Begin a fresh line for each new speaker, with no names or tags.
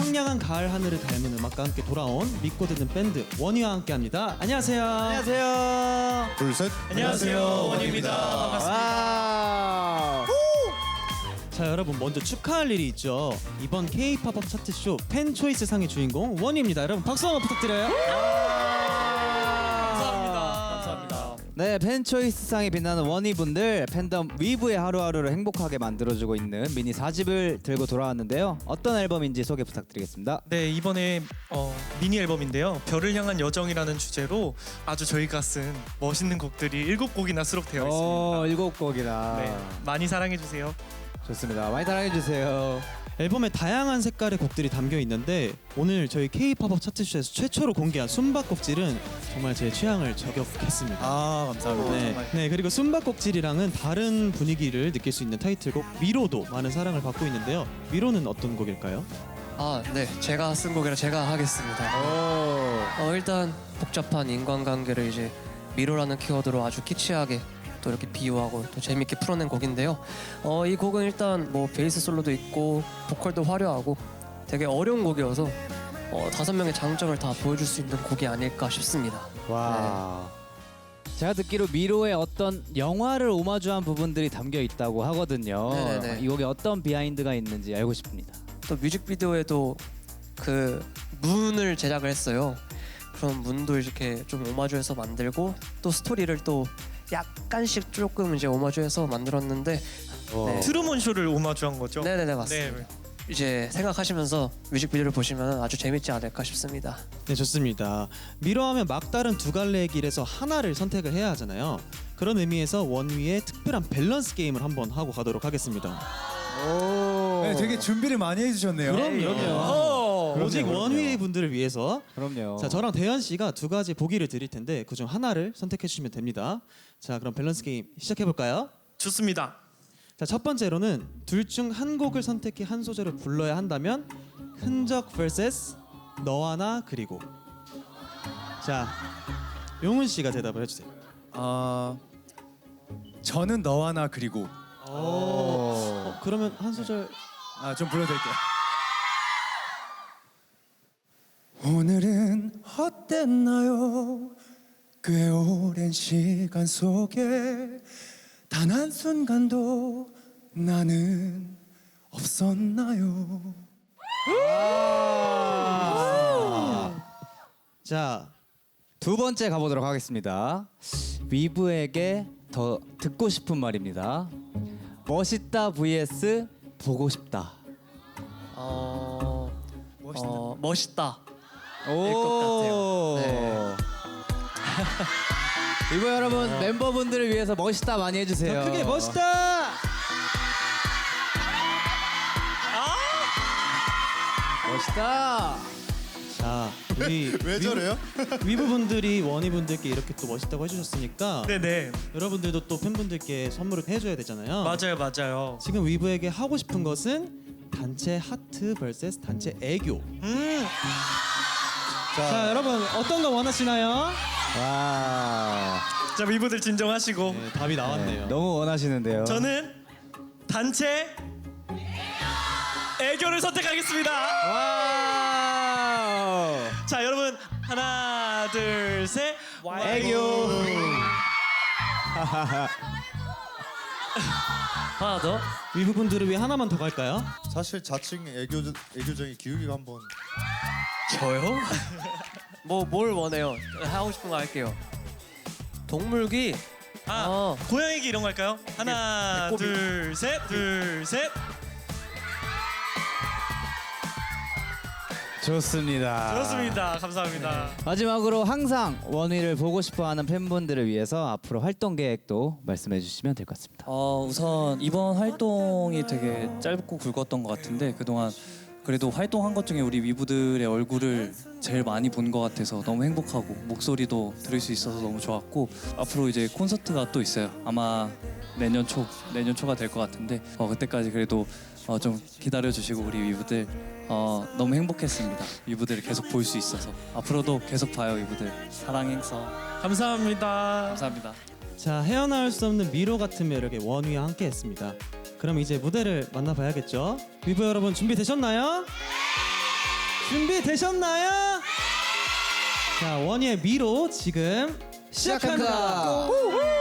청량한 가을 하늘을 닮은 음악과 함께 돌아온 믿고 듣는 밴드 원희와 함께합니다. 안녕하세요.
안녕하세요.
둘, 셋.
안녕하세요. 원희입니다. 반갑습니다.
자, 여러분 먼저 축하할 일이 있죠. 이번 K-팝업 차트쇼 팬 초이스 상의 주인공 원희입니다. 여러분 박수 한번 부탁드려요.
감사합니다. 네, 팬초이스상에 빛나는 원희분들, 팬덤 위브의 하루하루를 행복하게 만들어주고 있는 미니 4집을 들고 돌아왔는데요. 어떤 앨범인지 소개 부탁드리겠습니다.
네, 이번에 미니 앨범인데요. 별을 향한 여정이라는 주제로 아주 저희가 쓴 멋있는 곡들이 7곡이나 수록되어 있습니다.
7곡이나.
네, 많이 사랑해 주세요.
좋습니다. 많이 사랑해주세요.
앨범에 다양한 색깔의 곡들이 담겨 있는데 오늘 저희 K-팝업 차트쇼에서 최초로 공개한 숨바꼭질은 정말 제 취향을 저격했습니다.
아, 감사합니다.
네, 그리고 숨바꼭질이랑은 다른 분위기를 느낄 수 있는 타이틀곡 미로도 많은 사랑을 받고 있는데요. 미로는 어떤 곡일까요?
네, 제가 쓴 곡이라 제가 하겠습니다. 일단 복잡한 인간관계를 이제 미로라는 키워드로 아주 키치하게 또 이렇게 비유하고 또 재밌게 풀어낸 곡인데요. 이 곡은 일단 뭐 베이스 솔로도 있고 보컬도 화려하고 되게 어려운 곡이어서 5명의 장점을 다 보여줄 수 있는 곡이 아닐까 싶습니다.
와. 제가 듣기로 미로의 어떤 영화를 오마주한 부분들이 담겨 있다고 하거든요.
네네네.
이 곡에 어떤 비하인드가 있는지 알고 싶습니다.
또 뮤직비디오에도 그 문을 제작을 했어요. 그런 문도 이렇게 좀 오마주해서 만들고 또 스토리를 또 약간씩 조금 이제 오마주해서 만들었는데 네.
트루먼 쇼를 오마주한 거죠?
네네네 맞습니다.
네.
이제 생각하시면서 뮤직비디오를 보시면 아주 재밌지 않을까 싶습니다.
네, 좋습니다. 미로 하면 막다른 두 갈래의 길에서 하나를 선택을 해야 하잖아요. 그런 의미에서 원위의 특별한 밸런스 게임을 한번 하고 가도록 하겠습니다.
네, 되게 준비를 많이 해주셨네요.
그럼요. 오직 원위 분들을 위해서.
그럼요.
자, 저랑 대현 씨가 두 가지 보기를 드릴 텐데 그중 하나를 선택해 주시면 됩니다. 자, 그럼 밸런스 게임 시작해 볼까요?
좋습니다.
자, 첫 번째로는 둘 중 한 곡을 선택해 한 소절을 불러야 한다면 흔적 vs 너와 나 그리고. 자, 용훈 씨가 대답을 해주세요.
저는 너와 나 그리고.
그러면 한 소절.
좀 불러드릴게요. 오늘은 어땠나요? 꽤 오랜 시간 속에 단 한순간도 나는 없었나요?
자,
두 번째 가보도록 하겠습니다. 위브에게 더 듣고 싶은 말입니다. 멋있다 vs 보고 싶다.
멋있다.
오.
것 같아요. 네.
위브 여러분 멤버분들을 위해서 멋있다 많이 해주세요.
더 크게 멋있다.
멋있다.
자, 우리
왜 저래요?
위브 분들이 원희 분들께 이렇게 또 멋있다고 해주셨으니까
네네.
여러분들도 또 팬분들께 선물을 해줘야 되잖아요.
맞아요.
지금 위브에게 하고 싶은 것은 단체 하트 vs 단체 애교. 자, 여러분 어떤 거 원하시나요?
와.
자, 위브들 진정하시고.
네, 답이 나왔네요.
너무 원하시는데요.
저는 단체 애교를 선택하겠습니다.
와우.
자, 여러분 하나, 둘, 셋.
애교.
하나 더.
위브 분들을 위해 하나만 더 갈까요?
사실 자칭 애교적인 기욱이가 한번.
저요? 뭘 원해요? 하고 싶은 거 할게요. 동물기.
고양이기 이런 거 할까요? 하나,
배꼽이.
둘, 셋. 둘, 셋.
좋습니다.
그렇습니다. 감사합니다.
마지막으로 항상 원희를 보고 싶어하는 팬분들을 위해서 앞으로 활동 계획도 말씀해 주시면 될 것 같습니다.
우선 이번 활동이 되게 짧고 굵었던 것 같은데 그동안 그래도 활동한 것 중에 우리 위부들의 얼굴을 제일 많이 본 것 같아서 너무 행복하고 목소리도 들을 수 있어서 너무 좋았고 앞으로 이제 콘서트가 또 있어요. 아마 내년 초가 될 것 같은데 그때까지 그래도 좀 기다려주시고 우리 위부들 너무 행복했습니다. 위부들을 계속 볼 수 있어서 앞으로도 계속 봐요. 위부들 사랑 행사
감사합니다.
감사합니다.
자, 헤어나올 수 없는 미로 같은 매력의 원위와 함께했습니다. 그럼 이제 무대를 만나봐야겠죠? 위브 여러분 준비되셨나요? 준비되셨나요? 자, 원희의 미로 지금 시작합니다.
시작합니다.